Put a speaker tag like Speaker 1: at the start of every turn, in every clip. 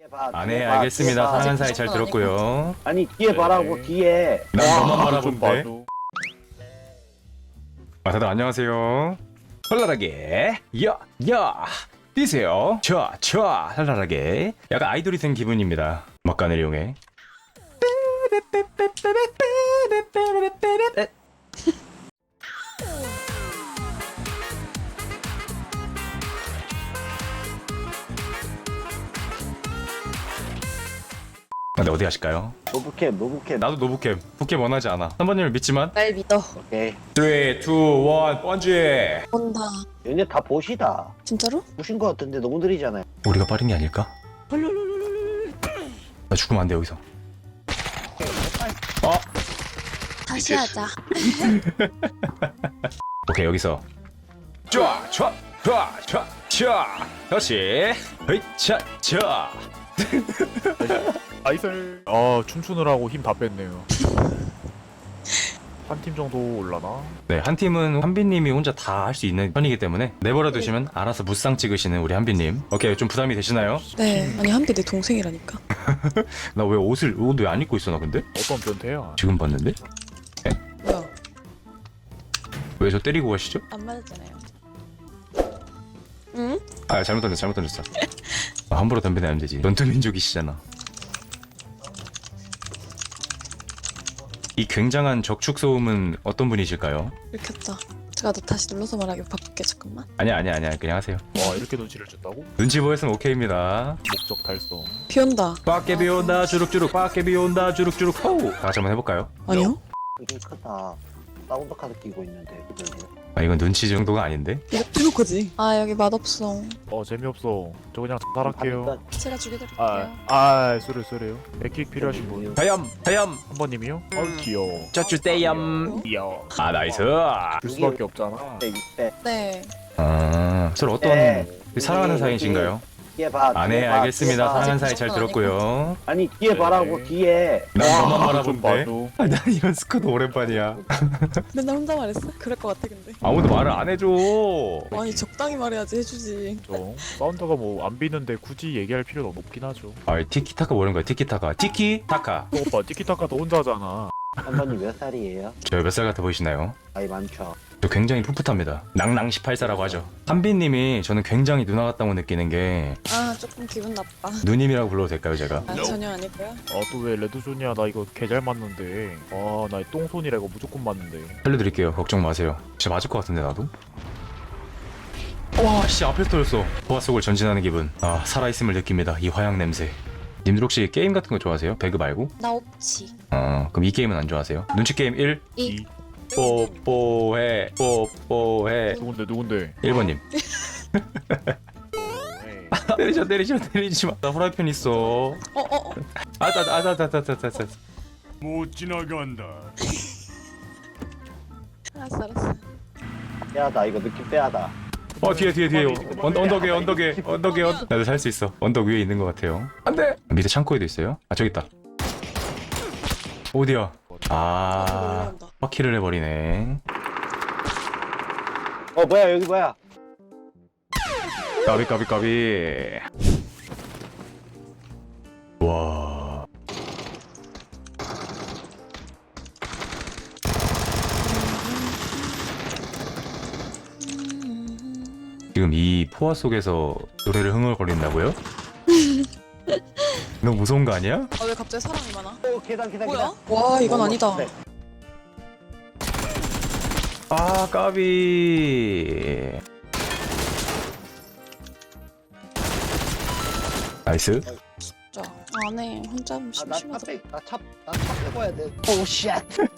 Speaker 1: 네, 알겠습니다. 사랑하는 사이 잘 들었고요.
Speaker 2: 아니 뒤에 봐라고 뒤에.
Speaker 1: 난 너만
Speaker 3: 좀
Speaker 1: 바라본데.
Speaker 3: 봐줘.
Speaker 1: 아, 다들 안녕하세요. 헐랄하게 야 뛰세요. 자 헐랄하게. 약간 아이돌이 된 기분입니다. 막간을 이용해. 근데 어디 가실까요?
Speaker 2: 노부캠.
Speaker 1: 나도 노부캠. 부캠 원하지 않아. 3번님을 믿지만.
Speaker 4: 날 믿어.
Speaker 2: 오케이.
Speaker 1: 3, 2, 1, 번지.
Speaker 4: 본다.
Speaker 2: 얘네 다 보시다.
Speaker 4: 진짜로?
Speaker 2: 보신 거 같은데 너무 느리잖아요.
Speaker 1: 우리가 빠른 게 아닐까? 나 죽으면 안 돼 여기서.
Speaker 4: 다시 하자.
Speaker 1: 오케이 여기서. 쫙. 다시. 자.
Speaker 3: 나이슬. 춤추느라고 힘 다 뺐네요. 한 팀 정도 올라나?
Speaker 1: 네, 한 팀은 한빈님이 혼자 다 할 수 있는 편이기 때문에 내버려 두시면 알아서 무쌍 찍으시는 우리 한빈님. 오케이, 좀 부담이 되시나요?
Speaker 4: 네. 아니 한비 내 동생이라니까.
Speaker 1: 나 왜 옷 왜 안 입고 있어 나 근데?
Speaker 3: 어떤 변태야?
Speaker 1: 지금 봤는데?
Speaker 4: 뭐야?
Speaker 1: 왜 저 때리고 가시죠?
Speaker 4: 안 맞았잖아요. 응?
Speaker 1: 아, 잘못 던졌어. 함부로 덤벼내면 되지. 전투민족이시잖아. 이 굉장한 적축 소음은 어떤 분이실까요?
Speaker 4: 읽혔다. 제가 너 다시 눌러서 말하기 바꿀게. 잠깐만.
Speaker 1: 아니야, 그냥 하세요.
Speaker 3: 와, 이렇게 눈치를 줬다고?
Speaker 1: 눈치 보였으면 오케이입니다.
Speaker 3: 목적 달성.
Speaker 4: 비 온다.
Speaker 1: 밖에 비 온다 주룩주룩, 밖에 비 온다 주룩주룩. 호우. 다 같이 한번 해볼까요?
Speaker 4: 아니요?
Speaker 2: 되게 크다. 사운드 카드 끼고 있는데.
Speaker 1: 아, 이건 눈치 정도가 아닌데?
Speaker 4: 이거 뜨거지. 아 여기 맛없어.
Speaker 3: 재미없어. 저 그냥 자살할게요.
Speaker 4: 제가 죽여드릴게요.
Speaker 3: 쏘래요. 에킥 필요하신 분?
Speaker 1: 하염.
Speaker 3: 한 번님이요? 귀여워.
Speaker 1: 짜쭈떼염.
Speaker 3: 귀여워.
Speaker 1: 아, 나이스.
Speaker 3: 줄 수밖에 없잖아.
Speaker 2: 600.
Speaker 4: 네.
Speaker 1: 아, 서로 어떤
Speaker 2: 네.
Speaker 1: 사랑하는 사이신가요?
Speaker 2: 뒤에 봐.
Speaker 1: 아, 네,
Speaker 2: 뒤에 봐,
Speaker 1: 알겠습니다.
Speaker 2: 뒤에 봐.
Speaker 1: 사랑하는 사이 잘 들었고요.
Speaker 2: 아니 뒤에 봐라고
Speaker 3: 네.
Speaker 2: 뒤에.
Speaker 1: 난 너만
Speaker 3: 좀
Speaker 1: 바라본데.
Speaker 3: 봐줘.
Speaker 1: 아, 난 이런 스쿼드 오랜만이야.
Speaker 4: 맨날 혼자 말했어? 그럴 것 같아 근데.
Speaker 1: 아무도 말을 안 해줘.
Speaker 4: 아니 적당히 말해야지 해주지.
Speaker 3: 사운드가 뭐 안 비는데 굳이 얘기할 필요는 없긴 하죠.
Speaker 1: 아, 티키타카 뭐라는 거야? 티키타카.
Speaker 3: 오빠 티키타카도 혼자 하잖아.
Speaker 2: 한 번님 몇 살이에요?
Speaker 1: 저 몇 살 같아 보이시나요?
Speaker 2: 나이 많죠.
Speaker 1: 저 굉장히 풋풋합니다. 낭낭 18사라고 하죠. 한빈님이 저는 굉장히 누나 같다고 느끼는 게
Speaker 4: 아 조금 기분 나빠.
Speaker 1: 누님이라고 불러도 될까요, 제가?
Speaker 4: 아, 전혀 아니고요.
Speaker 3: 또 왜 레드존이야? 나 이거 개 잘 맞는데. 나 똥손이라 이거 무조건 맞는데.
Speaker 1: 살려드릴게요. 걱정 마세요. 진짜 맞을 것 같은데 나도? 와, 씨, 앞에서 터졌어. 보아 속을 전진하는 기분. 아, 살아있음을 느낍니다. 이 화양 냄새. 님들 혹시 게임 같은 거 좋아하세요? 배그 말고?
Speaker 4: 나 없지.
Speaker 1: 그럼 이 게임은 안 좋아하세요? 눈치 게임 1.
Speaker 4: 이.
Speaker 1: 뽀뽀해.
Speaker 3: 누군데?
Speaker 1: 1번님. 때리지 마. 나 후라이팬 있어. 아따.
Speaker 5: 못 지나간다.
Speaker 4: 알았어.
Speaker 2: 빼하다 이거 느낌 빼하다.
Speaker 1: 뒤에. 언덕에. 나도 살 수 있어. 언덕 위에 있는 것 같아요. 안 돼! 밑에 창고에도 있어요. 아, 저기 있다. 어디야? 아,
Speaker 4: 올라온다.
Speaker 1: 바퀴를 해버리네.
Speaker 2: 뭐야 여기 뭐야?
Speaker 1: 까비. 와. 지금 이 포화 속에서 노래를 흥얼거린다고요? 너무 무서운 거 아니야?
Speaker 4: 아 왜 갑자기 사람이 많아?
Speaker 2: 계단.
Speaker 4: 뭐야? 와 이건 아니다.
Speaker 2: 네.
Speaker 1: 아, 까비. 나이스.
Speaker 4: 진짜 안해. 혼자 하면 심심하다.
Speaker 2: 나차 빼고야 돼. 오 쉣.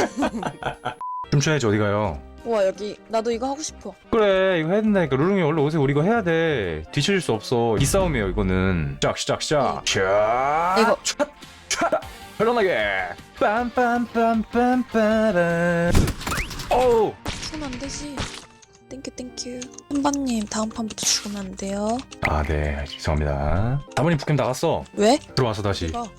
Speaker 1: 춤춰야지 어디 가요?
Speaker 4: 와 여기 나도 이거 하고 싶어.
Speaker 1: 그래, 이거 해야 된다니까. 루룽이 원래 오세요. 우리 이거 해야 돼. 뒤처질 수 없어. 이 싸움이에요 이거는. 시작. 쫙.
Speaker 4: 이거.
Speaker 1: 쫙. 편안하게. 빰빰빰빰빰빰. 어우.
Speaker 4: 손 안 되지. 땡큐. 한반님 다음 판부터 죽으면 안 돼요.
Speaker 1: 아, 네, 죄송합니다. 다문이 북캠 나갔어.
Speaker 4: 왜?
Speaker 1: 들어와서 다시.
Speaker 4: 이거.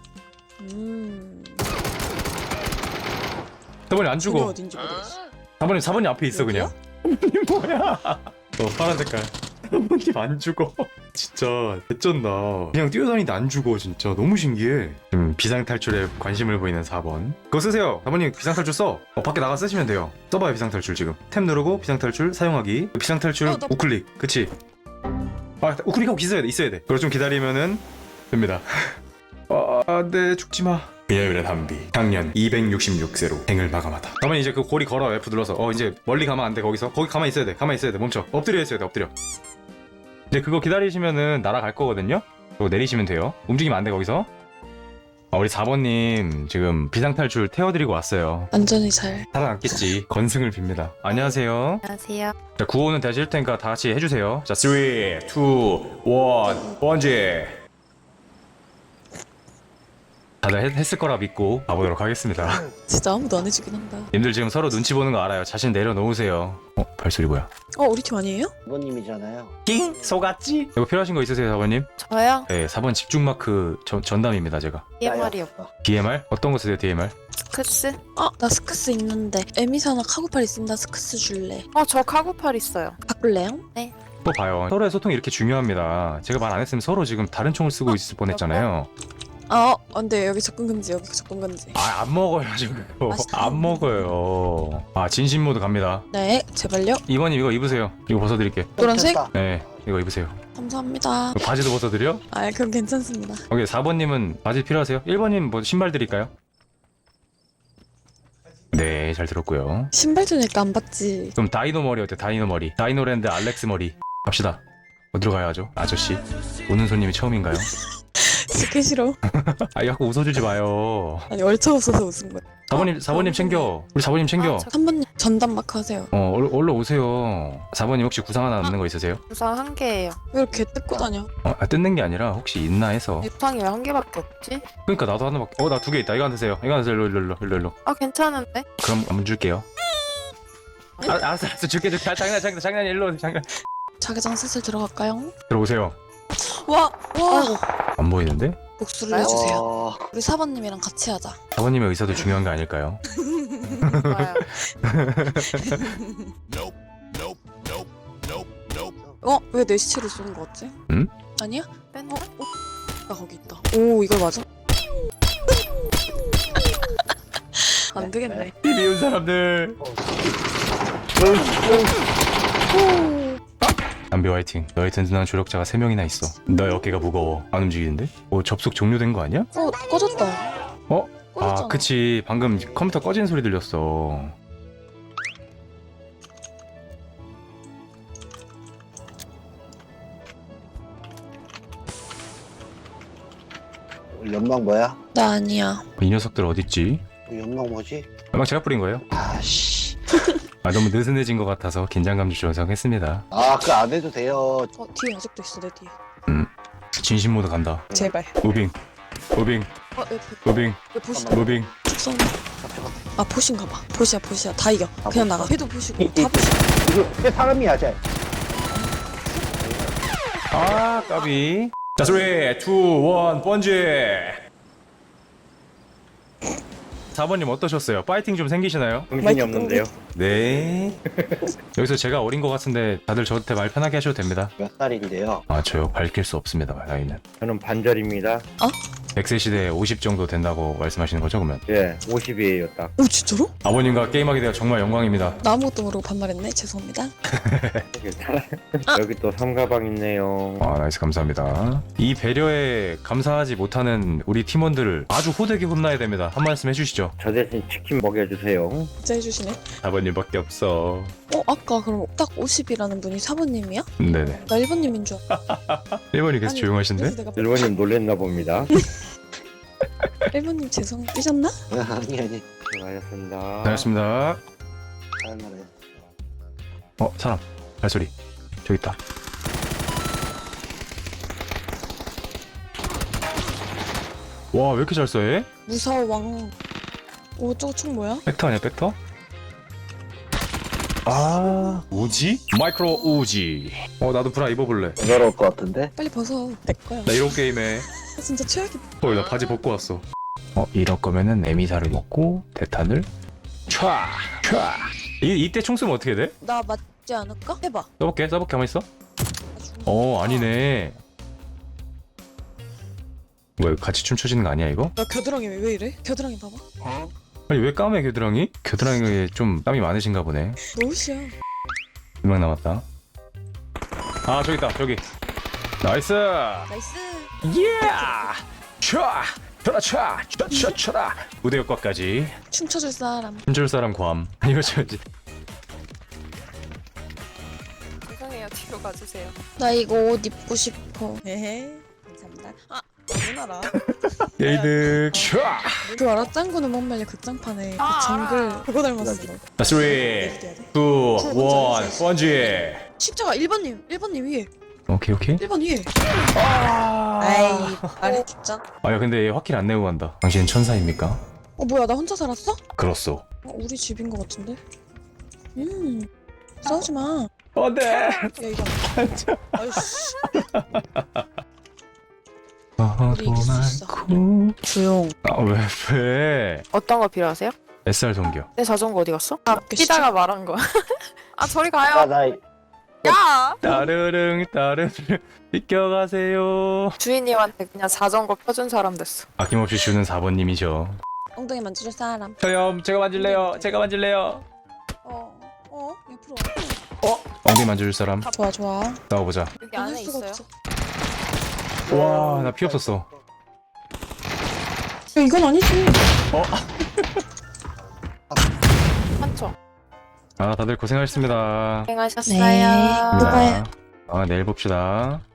Speaker 1: 다문이 안
Speaker 4: 죽어.
Speaker 1: 죽어.
Speaker 4: 어딘지 모르겠어.
Speaker 1: 다문이 4번이 앞에 있어
Speaker 4: 여기야?
Speaker 1: 그냥. 이 뭐야? 파란 색깔. 사모님 안 죽어. 진짜 개쩐다. 그냥 뛰어다니는데 안 죽어. 진짜 너무 신기해. 지금 비상탈출에 관심을 보이는 4번. 그거 쓰세요. 사모님 비상탈출 써. 밖에 나가 쓰시면 돼요. 써봐요 비상탈출 지금. 탭 누르고 비상탈출 사용하기. 비상탈출
Speaker 4: 나-
Speaker 1: 우클릭. 그치? 아 우클릭하고 있어야 돼. 그걸 좀 기다리면은 됩니다. 네 죽지마. 비열의 담비 당년 266세로 생을 마감하다. 가만히 이제 그 고리 걸어 F 눌러서 이제 멀리 가면 안 돼. 거기서 거기 가만히 있어야 돼. 멈춰. 엎드려 있어야 돼. 엎드려. 이제 그거 기다리시면은 날아갈 거거든요. 그거 내리시면 돼요. 움직이면 안 돼. 거기서. 우리 4번님 지금 비상탈출 태워드리고 왔어요.
Speaker 4: 안전히 잘.
Speaker 1: 살아남겠지. 건승을 빕니다. 안녕하세요.
Speaker 6: 안녕하세요.
Speaker 1: 자, 구호는 다시 할 테니까 다 같이 해주세요. 자, 3, 2, 1, 번지. 다들 했을 거라 믿고 가보도록 하겠습니다.
Speaker 4: 진짜 아무도 안 해주긴 한다.
Speaker 1: 님들 지금 서로 눈치 보는 거 알아요. 자신 내려놓으세요. 발소리 뭐야?
Speaker 4: 우리 팀 아니에요?
Speaker 2: 부모님이잖아요.
Speaker 1: 낑! 속았지? 이거 필요하신 거 있으세요, 4번님?
Speaker 6: 저요?
Speaker 1: 네, 4번 집중 마크 전담입니다, 제가.
Speaker 6: DMR이요.
Speaker 1: DMR? 어떤 거 쓰세요, DMR?
Speaker 6: 스크스?
Speaker 4: 나 스크스 있는데. 에미사나 카고팔 있으면 나 스크스 줄래.
Speaker 6: 저 카고팔 있어요.
Speaker 4: 바꿀래요?
Speaker 1: 또 봐요. 서로의 소통이 이렇게 중요합니다. 제가 말 안 했으면 서로 지금 다른 총을 쓰고 있을 뻔했잖아요.
Speaker 4: 안 돼. 여기 접근 금지.
Speaker 1: 안 먹어요, 지금.
Speaker 4: 맛있다.
Speaker 1: 안 먹어요. 진심 모드 갑니다.
Speaker 4: 네, 제발요.
Speaker 1: 2번님 이거 입으세요. 이거 벗어드릴게.
Speaker 4: 노란색?
Speaker 2: 됐다.
Speaker 1: 네, 이거 입으세요.
Speaker 4: 감사합니다.
Speaker 1: 이거 바지도 벗어드려?
Speaker 4: 그럼 괜찮습니다.
Speaker 1: 오케이, 4번님은 바지 필요하세요? 1번님 뭐 신발 드릴까요? 네, 잘 들었고요.
Speaker 4: 신발 주니까 안 받지.
Speaker 1: 그럼 다이노 머리 어때? 다이노 머리. 다이노랜드 알렉스 머리. 갑시다. 어디로 가야죠? 아저씨. 오는 손님이 처음인가요?
Speaker 4: 듣기 싫어.
Speaker 1: 자꾸 웃어주지 마요.
Speaker 4: 아니 얼척 없어서 웃은 거야.
Speaker 1: 4번님 챙겨. 우리 4번님 챙겨.
Speaker 4: 3번님 전담 마크 하세요.
Speaker 1: 얼른 오세요. 4번님 혹시 구상 하나 남는 거 있으세요?
Speaker 6: 우상 한 개예요.
Speaker 4: 왜 이렇게 뜯고 다녀?
Speaker 1: 뜯는 게 아니라 혹시 있나 해서.
Speaker 6: 우상이 왜 한 개밖에 없지?
Speaker 1: 그러니까 나도 하나밖에. 나 2개 있다. 이거 안 드세요. 일로.
Speaker 6: 괜찮은데?
Speaker 1: 그럼 안 줄게요. 알았어. 줄게. 장난 일로 장난.
Speaker 4: 자기장 슬슬 들어갈까요?
Speaker 1: 들어오세요.
Speaker 4: 와!
Speaker 1: 안 보이는데?
Speaker 4: 복수를 해주세요.
Speaker 2: 어,
Speaker 4: 우리 4번님이랑 같이 하자.
Speaker 1: 4번님의 의사도 중요한 거 아닐까요?
Speaker 6: 좋아요.
Speaker 4: 왜 내 시체를 쏘는 거 같지?
Speaker 1: 응?
Speaker 4: 아니야?
Speaker 6: 뺀다?
Speaker 4: 나 거기 있다. 오, 이걸 맞아? 안 되겠네.
Speaker 1: 이 미운 사람들. 담비 화이팅. 너의 든든한 조력자가 3명이나 있어. 너의 어깨가 무거워. 안 움직이는데? 접속 종료된 거 아니야?
Speaker 4: 꺼졌다. 꺼졌잖아.
Speaker 1: 그치. 방금 컴퓨터 꺼진 소리 들렸어.
Speaker 2: 연막 뭐야?
Speaker 4: 나 아니야.
Speaker 1: 이 녀석들 어딨지?
Speaker 2: 연막 뭐지?
Speaker 1: 연막 제가 뿌린 거예요?
Speaker 2: 아씨.
Speaker 1: 너무 느슨해진 것 같아서 긴장감 조성했습니다.
Speaker 2: 그거 안 해도 돼요.
Speaker 4: 뒤에 아직도 있어, 내 뒤에.
Speaker 1: 진심 모드 간다.
Speaker 4: 제발.
Speaker 1: 무빙.
Speaker 4: 왜 보시
Speaker 1: 무빙.
Speaker 4: 축 쏘는 보신가 봐. 보시야. 다 이겨. 그냥 나가. 해도 보시고, 다 보시고.
Speaker 2: 이거 왜 사람이야, 쟤?
Speaker 1: 까비. 자, 3, 2, 1, 번지. 4번님 어떠셨어요? 파이팅 좀 생기시나요?
Speaker 4: 정신이 없는데요.
Speaker 1: 네. 여기서 제가 어린 것 같은데 다들 저한테 말 편하게 하셔도 됩니다.
Speaker 2: 몇 살인데요?
Speaker 1: 저요 밝힐 수 없습니다. 나이는.
Speaker 7: 저는 반절입니다.
Speaker 1: 100세 시대에 50 정도 된다고 말씀하시는 거죠, 그러면?
Speaker 7: 예, 50이에요, 딱.
Speaker 4: 오, 진짜로?
Speaker 1: 아버님과 게임하게 되어 정말 영광입니다.
Speaker 4: 나 아무것도 모르고 반말했네. 죄송합니다.
Speaker 7: 괜찮아요. 여기 또 삼가방 있네요.
Speaker 1: 나이스 감사합니다. 이 배려에 감사하지 못하는 우리 팀원들을 아주 호되게 혼나야 됩니다. 한 말씀 해주시죠.
Speaker 7: 저 대신 치킨 먹여주세요.
Speaker 4: 진짜 해주시네.
Speaker 1: 아버님밖에 없어.
Speaker 4: 아까 그럼 딱 50이라는 분이 4번님이야?
Speaker 1: 네네.
Speaker 4: 나 1번님인 줄 알았어.
Speaker 1: 1번이 계속 조용하신데?
Speaker 4: 그래서 내가
Speaker 7: 일본님 놀랬나 봅니다.
Speaker 4: 1번님 죄송 삐졌나?
Speaker 2: 아니.
Speaker 7: 수고하셨습니다.
Speaker 1: 반갑습니다.
Speaker 2: 사람을
Speaker 1: 사람. 발소리. 저기 있다. 와, 왜 이렇게 잘 써, 얘?
Speaker 4: 무서워 왕. 오, 저거 총 뭐야?
Speaker 1: 벡터 아니야, 벡터? 우지? 마이크로 우지. 나도 브라 입어볼래.
Speaker 2: 부끄러울 것 같은데?
Speaker 4: 빨리 벗어. 내 거야.
Speaker 1: 나 이런 게임에.
Speaker 4: 진짜 최악이다.
Speaker 1: 나 바지 벗고 왔어. 이럴 거면은 에미사를 먹고 대탄을 촤! 이때 총 쏘면 어떻게 돼?
Speaker 4: 나 맞지 않을까? 해봐.
Speaker 1: 써볼게 가만히 있어.
Speaker 4: 나
Speaker 1: 아니네. 뭐야, 이거 같이 춤춰지는 거 아니야 이거?
Speaker 4: 나 겨드랑이 왜 이래? 겨드랑이 봐봐.
Speaker 1: 아니 왜 까매 겨드랑이? 겨드랑이에 좀 땀이 많으신가 보네.
Speaker 4: 노시야.
Speaker 1: 2명 남았다. 아 저기 있다 저기. 나이스.
Speaker 4: 나이스.
Speaker 1: 예. 촤. 쳐라 촤. 쳐라. 무대 효과까지.
Speaker 4: 춤춰줄 사람.
Speaker 1: 춤출 사람 괌. 이거 저지.
Speaker 6: 죄송해요. 뒤로 가주세요.
Speaker 4: 나 이거 옷 입고 싶어. 헤헤. 감사합니다. 아, 누나라.
Speaker 1: 게이득. 촤.
Speaker 4: 그 알아? 짱구는 못 말려 극장판에 그 정글 그거 닮았어.
Speaker 1: 3, 2, 1, 번지.
Speaker 4: 십자가 1번님 위에.
Speaker 1: 오케이.
Speaker 4: 1번 위에.
Speaker 1: 아.
Speaker 4: 아이 말해 죽자.
Speaker 1: 야 근데 얘 확킬 안 내고 간다. 당신은 천사입니까?
Speaker 4: 뭐야 나 혼자 살았어?
Speaker 1: 그렇소.
Speaker 4: 우리 집인 것 같은데. 싸우지 마.
Speaker 1: 안돼.
Speaker 4: 야 이거. 아이씨. 우리 이길 수 있어. 조용.
Speaker 1: 왜?
Speaker 6: 어떤 거 필요하세요?
Speaker 1: SR 동기요.
Speaker 6: 내 자전거 어디 갔어? 아,
Speaker 4: 계시죠?
Speaker 6: 뛰다가 말한 거야. 아, 저리
Speaker 2: 아,
Speaker 6: 가요.
Speaker 2: 나
Speaker 6: 야!
Speaker 1: 따르릉 비켜가세요.
Speaker 6: 주인님한테 그냥 자전거 펴준 사람 됐어.
Speaker 1: 아낌없이 주는 4번님이죠.
Speaker 4: 엉덩이 만져줄 사람.
Speaker 1: 저요 제가 만질래요.
Speaker 4: 옆으로
Speaker 1: 엉덩이 만져줄 사람.
Speaker 4: 와. 좋아.
Speaker 1: 싸워보자.
Speaker 6: 여기 안에
Speaker 4: 할 수가
Speaker 6: 있어요.
Speaker 4: 없어.
Speaker 1: 와 나 피 없었어.
Speaker 4: 야 이건 아니지.
Speaker 6: 한쪽.
Speaker 1: 아 다들 고생하셨습니다.
Speaker 6: 고생하셨어요.
Speaker 4: 네.
Speaker 1: 자,
Speaker 4: 누가요?
Speaker 1: 내일 봅시다.